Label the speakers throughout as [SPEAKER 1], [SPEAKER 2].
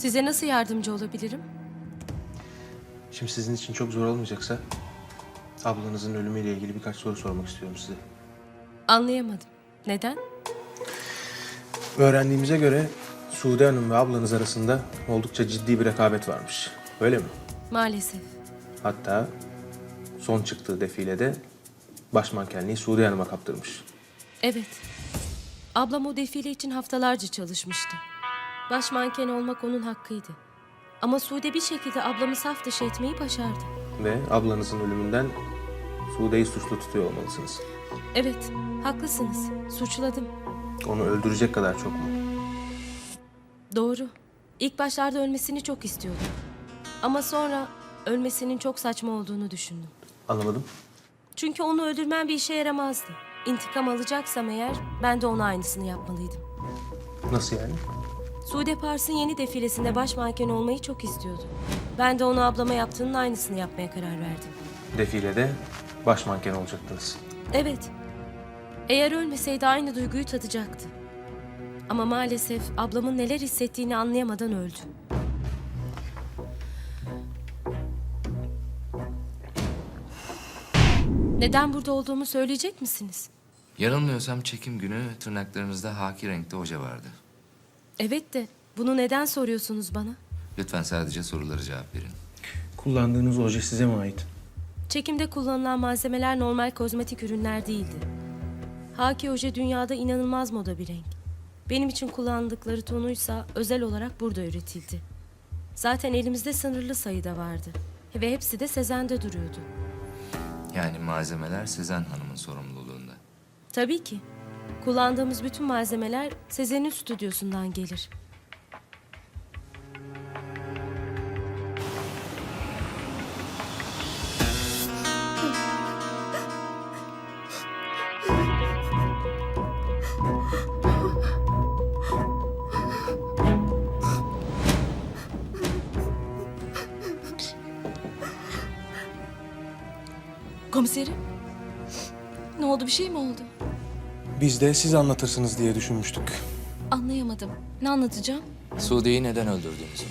[SPEAKER 1] Size nasıl yardımcı olabilirim?
[SPEAKER 2] Şimdi sizin için çok zor olmayacaksa ablanızın ölümüyle ilgili birkaç soru sormak istiyorum size.
[SPEAKER 1] Anlayamadım. Neden?
[SPEAKER 2] Öğrendiğimize göre Sude Hanım ve ablanız arasında oldukça ciddi bir rekabet varmış. Öyle mi?
[SPEAKER 1] Maalesef.
[SPEAKER 2] Hatta son çıktığı defilede baş mankenliği Sude Hanım'a kaptırmış.
[SPEAKER 1] Evet. Ablam o defile için haftalarca çalışmıştı. Baş manken olmak onun hakkıydı. Ama Sude bir şekilde ablamı saf dışı etmeyi başardı.
[SPEAKER 2] Ve ablanızın ölümünden Sude'yi suçlu tutuyor olmalısınız.
[SPEAKER 1] Evet, haklısınız. Suçladım.
[SPEAKER 2] Onu öldürecek kadar çok mu?
[SPEAKER 1] Doğru. İlk başlarda ölmesini çok istiyordum. Ama sonra ölmesinin çok saçma olduğunu düşündüm.
[SPEAKER 2] Anlamadım.
[SPEAKER 1] Çünkü onu öldürmem bir işe yaramazdı. İntikam alacaksam eğer ben de ona aynısını yapmalıydım.
[SPEAKER 2] Nasıl yani?
[SPEAKER 1] Sude Pars'ın yeni defilesinde baş manken olmayı çok istiyordu. Ben de onu ablama yaptığının aynısını yapmaya karar verdim.
[SPEAKER 2] Defilede baş manken olacaktınız.
[SPEAKER 1] Evet. Eğer ölmeseydi aynı duyguyu tadacaktı. Ama maalesef ablamın neler hissettiğini anlayamadan öldü. Neden burada olduğumu söyleyecek misiniz?
[SPEAKER 3] Yanılmıyorsam çekim günü tırnaklarınızda haki renkte oje vardı.
[SPEAKER 1] Evet de bunu neden soruyorsunuz bana?
[SPEAKER 3] Lütfen sadece sorulara cevap verin.
[SPEAKER 2] Kullandığınız oje size mi ait?
[SPEAKER 1] Çekimde kullanılan malzemeler normal kozmetik ürünler değildi. Haki oje dünyada inanılmaz moda bir renk. Benim için kullandıkları tonuysa özel olarak burada üretildi. Zaten elimizde sınırlı sayıda vardı. Ve hepsi de Sezen'de duruyordu.
[SPEAKER 3] Yani malzemeler Sezen Hanım'ın sorumluluğunda.
[SPEAKER 1] Tabii ki. Kullandığımız bütün malzemeler Sezen'in stüdyosundan gelir.
[SPEAKER 4] Komiserim. Ne oldu, bir şey mi oldu?
[SPEAKER 2] Biz de siz anlatırsınız diye düşünmüştük.
[SPEAKER 4] Anlayamadım. Ne anlatacağım?
[SPEAKER 3] Sude'yi neden öldürdüğünüzü.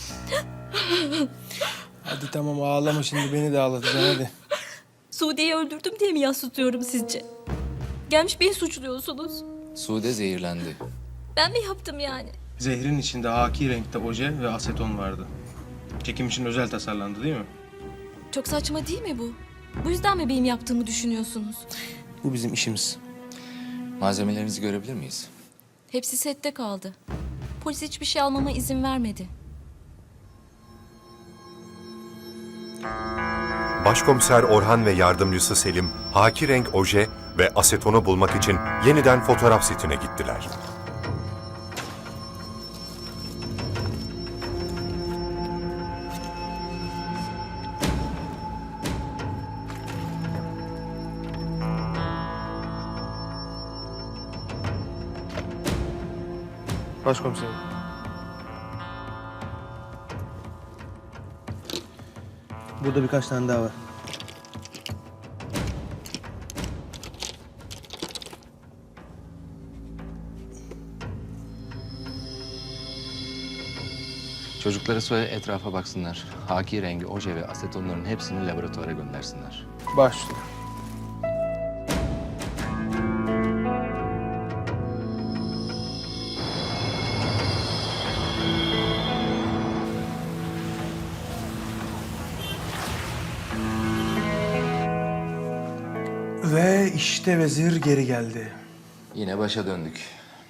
[SPEAKER 2] Hadi tamam ağlama şimdi beni de ağlatacaksın hadi.
[SPEAKER 4] Sude'yi öldürdüm diye mi yas tutuyorum sizce? Gelmiş beni suçluyorsunuz.
[SPEAKER 3] Sude zehirlendi.
[SPEAKER 4] Ben mi yaptım yani?
[SPEAKER 2] Zehrin içinde haki renkte oje ve aseton vardı. Çekim için özel tasarlandı değil mi?
[SPEAKER 4] Çok saçma değil mi bu? Bu yüzden mi benim yaptığımı düşünüyorsunuz?
[SPEAKER 2] Bu bizim işimiz.
[SPEAKER 3] Malzemelerinizi görebilir miyiz?
[SPEAKER 4] Hepsi sette kaldı. Polis hiçbir şey almama izin vermedi.
[SPEAKER 5] Başkomiser Orhan ve yardımcısı Selim, haki renk oje ve asetonu bulmak için yeniden fotoğraf setine gittiler.
[SPEAKER 2] Başkomiserim. Burada birkaç tane daha var.
[SPEAKER 3] Çocukları söyle etrafa baksınlar. Haki rengi oje ve asetonların hepsini laboratuvara göndersinler.
[SPEAKER 2] Başüstüne. Ve işte vezir geri geldi.
[SPEAKER 3] Yine başa döndük.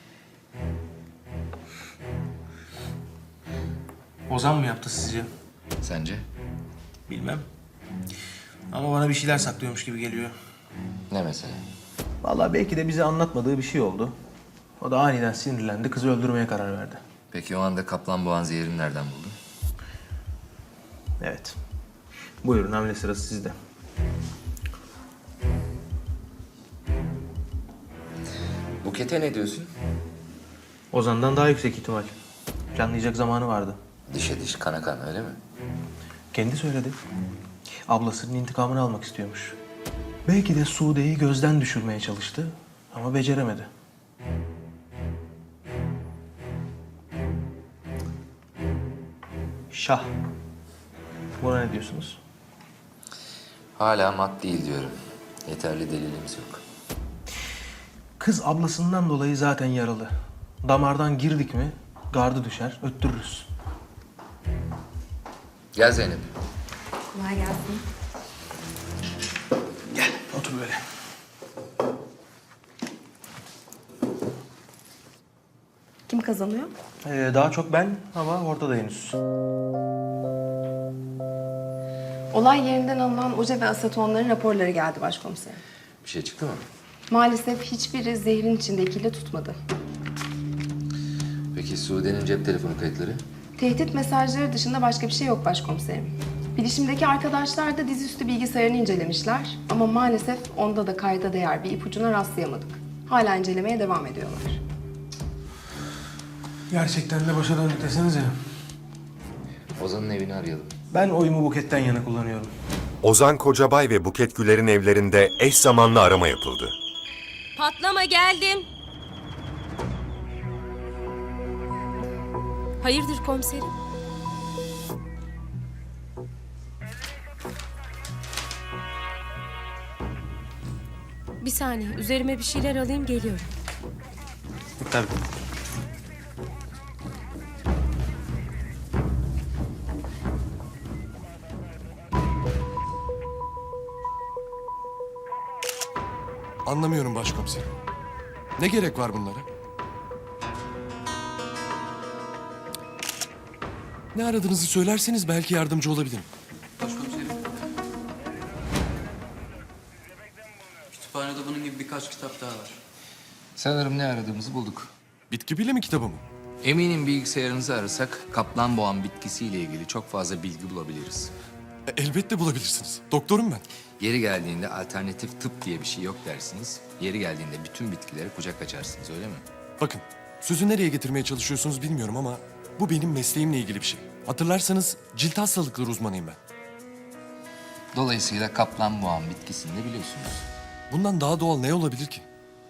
[SPEAKER 2] Ozan mı yaptı sizce?
[SPEAKER 3] Sence?
[SPEAKER 2] Bilmem. Ama bana bir şeyler saklıyormuş gibi geliyor.
[SPEAKER 3] Ne mesele?
[SPEAKER 2] Vallahi belki de bize anlatmadığı bir şey oldu. O da aniden sinirlendi, kızı öldürmeye karar verdi.
[SPEAKER 3] Peki o anda kaplan boğan zehirini nereden buldun?
[SPEAKER 2] Evet. Buyurun, hamle sırası sizde.
[SPEAKER 3] Buket'e ne diyorsun?
[SPEAKER 2] Ozan'dan daha yüksek ihtimal. Planlayacak zamanı vardı.
[SPEAKER 3] Dişe diş, kana kan öyle mi?
[SPEAKER 2] Kendi söyledi. Ablasının intikamını almak istiyormuş. Belki de Sude'yi gözden düşürmeye çalıştı ama beceremedi. Şah. Buna ne diyorsunuz?
[SPEAKER 3] Hala mat değil diyorum. Yeterli delilimiz yok.
[SPEAKER 2] Kız ablasından dolayı zaten yaralı. Damardan girdik mi gardı düşer, öttürürüz.
[SPEAKER 3] Gel Zeynep.
[SPEAKER 6] Kolay gelsin.
[SPEAKER 2] Gel, otur böyle.
[SPEAKER 6] Kim kazanıyor?
[SPEAKER 2] Daha çok ben ama ortada henüz.
[SPEAKER 6] Olay yerinden alınan oje ve asetonların raporları geldi başkomiserim.
[SPEAKER 3] Bir şey çıktı mı?
[SPEAKER 6] Maalesef hiçbiri zehrin içindekiyle tutmadı.
[SPEAKER 3] Peki Sude'nin cep telefonu kayıtları?
[SPEAKER 6] Tehdit mesajları dışında başka bir şey yok başkomiserim. Bilişimdeki arkadaşlar da dizüstü bilgisayarını incelemişler ama maalesef onda da kayda değer bir ipucuna rastlayamadık. Hala incelemeye devam ediyorlar.
[SPEAKER 2] Gerçekten de başa döndük desenize.
[SPEAKER 3] Ozan'ın evini arayalım.
[SPEAKER 2] Ben oyumu Buket'ten yana kullanıyorum.
[SPEAKER 5] Ozan Kocabay ve Buket Güler'in evlerinde eş zamanlı arama yapıldı.
[SPEAKER 1] Patlama geldim. Hayırdır komiserim? Bir saniye, üzerime bir şeyler alayım geliyorum.
[SPEAKER 2] Tabii.
[SPEAKER 7] Anlamıyorum başkomiserim. Ne gerek var bunlara? Ne aradığınızı söylerseniz belki yardımcı olabilirim.
[SPEAKER 8] Başkomiserim. Kütüphanede bunun gibi birkaç kitap daha var.
[SPEAKER 3] Sanırım ne aradığımızı bulduk.
[SPEAKER 7] Bitki bilimi kitabı mı?
[SPEAKER 3] Eminim bilgisayarınızı arasak kaplan boğan bitkisiyle ilgili çok fazla bilgi bulabiliriz.
[SPEAKER 7] Elbette bulabilirsiniz. Doktorum ben.
[SPEAKER 3] Yeri geldiğinde alternatif tıp diye bir şey yok dersiniz. Yeri geldiğinde bütün bitkilere kucak açarsınız öyle mi?
[SPEAKER 7] Bakın, sözü nereye getirmeye çalışıyorsunuz bilmiyorum ama bu benim mesleğimle ilgili bir şey. Hatırlarsanız cilt hastalıkları uzmanıyım ben.
[SPEAKER 3] Dolayısıyla kaplan boğan bitkisini de biliyorsunuz.
[SPEAKER 7] Bundan daha doğal ne olabilir ki?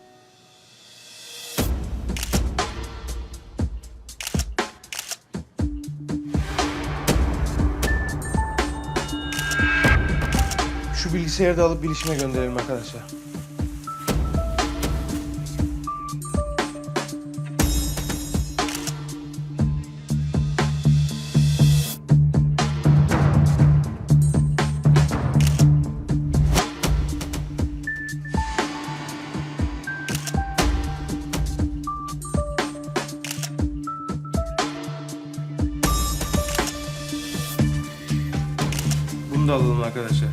[SPEAKER 2] Şu bilgisayarı da alıp bilişime gönderelim arkadaşlar. Bunu da alalım arkadaşlar.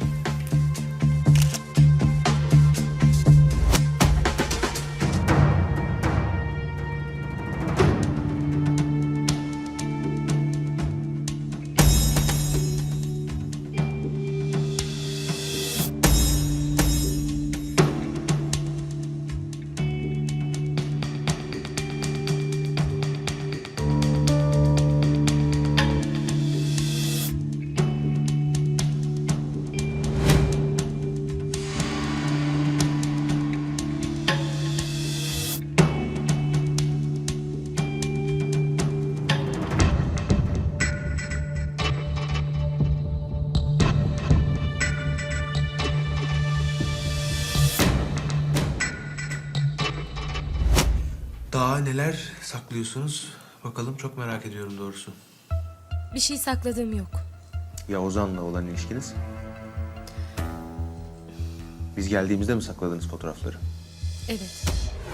[SPEAKER 2] Daha neler saklıyorsunuz? Bakalım çok merak ediyorum doğrusu.
[SPEAKER 1] Bir şey sakladığım yok.
[SPEAKER 2] Ya Ozan'la olan ilişkiniz? Biz geldiğimizde mi sakladınız fotoğrafları?
[SPEAKER 1] Evet.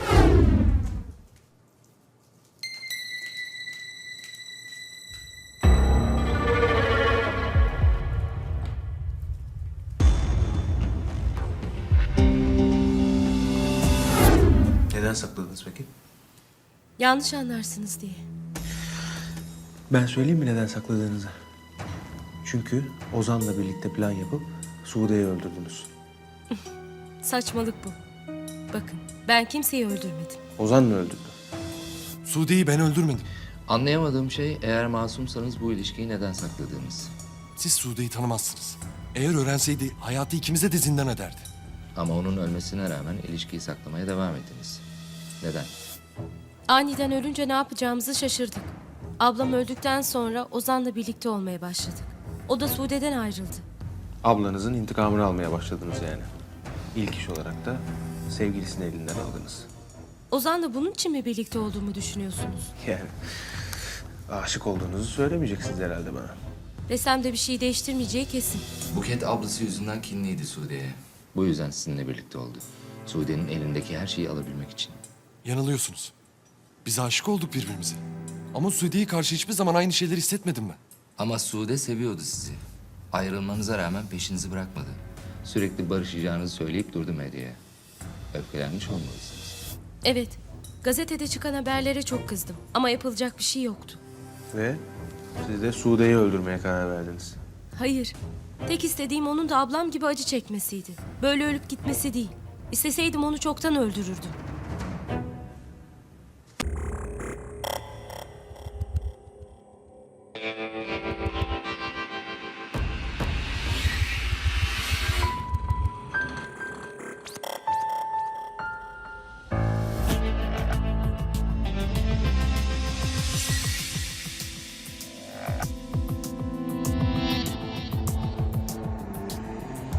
[SPEAKER 2] Neden sakladınız peki?
[SPEAKER 1] Yanlış anlarsınız diye.
[SPEAKER 2] Ben söyleyeyim mi neden sakladığınızı? Çünkü Ozan'la birlikte plan yapıp Sude'yi öldürdünüz.
[SPEAKER 1] Saçmalık bu. Bakın, ben kimseyi öldürmedim.
[SPEAKER 2] Ozan mı öldürdü?
[SPEAKER 7] Sude'yi ben öldürmedim.
[SPEAKER 3] Anlayamadığım şey eğer masumsanız bu ilişkiyi neden sakladığınız.
[SPEAKER 7] Siz Sude'yi tanımazsınız. Eğer öğrenseydi hayatı ikimize de zindan ederdi.
[SPEAKER 3] Ama onun ölmesine rağmen ilişkiyi saklamaya devam ettiniz. Neden?
[SPEAKER 1] Aniden ölünce ne yapacağımızı şaşırdık. Ablam öldükten sonra Ozan'la birlikte olmaya başladık. O da Sude'den ayrıldı.
[SPEAKER 2] Ablanızın intikamını almaya başladınız yani. İlk iş olarak da sevgilisini elinden aldınız.
[SPEAKER 1] Ozan'la bunun için mi birlikte olduğumu düşünüyorsunuz?
[SPEAKER 2] Yani aşık olduğunuzu söylemeyeceksiniz herhalde bana.
[SPEAKER 1] Desem de bir şey değiştirmeyeceği kesin.
[SPEAKER 3] Buket ablası yüzünden kinliydi Sude'ye. Bu yüzden sizinle birlikte oldu. Sude'nin elindeki her şeyi alabilmek için.
[SPEAKER 7] Yanılıyorsunuz. Biz aşık olduk birbirimize. Ama Sude'ye karşı hiçbir zaman aynı şeyleri hissetmedim ben.
[SPEAKER 3] Ama Sude seviyordu sizi. Ayrılmanıza rağmen peşinizi bırakmadı. Sürekli barışacağınızı söyleyip durdu medyaya. Öfkelenmiş olmalısınız.
[SPEAKER 1] Evet, gazetede çıkan haberlere çok kızdım. Ama yapılacak bir şey yoktu.
[SPEAKER 2] Ve siz de Sude'yi öldürmeye karar verdiniz.
[SPEAKER 1] Hayır, tek istediğim onun da ablam gibi acı çekmesiydi. Böyle ölüp gitmesi değil. İsteseydim onu çoktan öldürürdüm.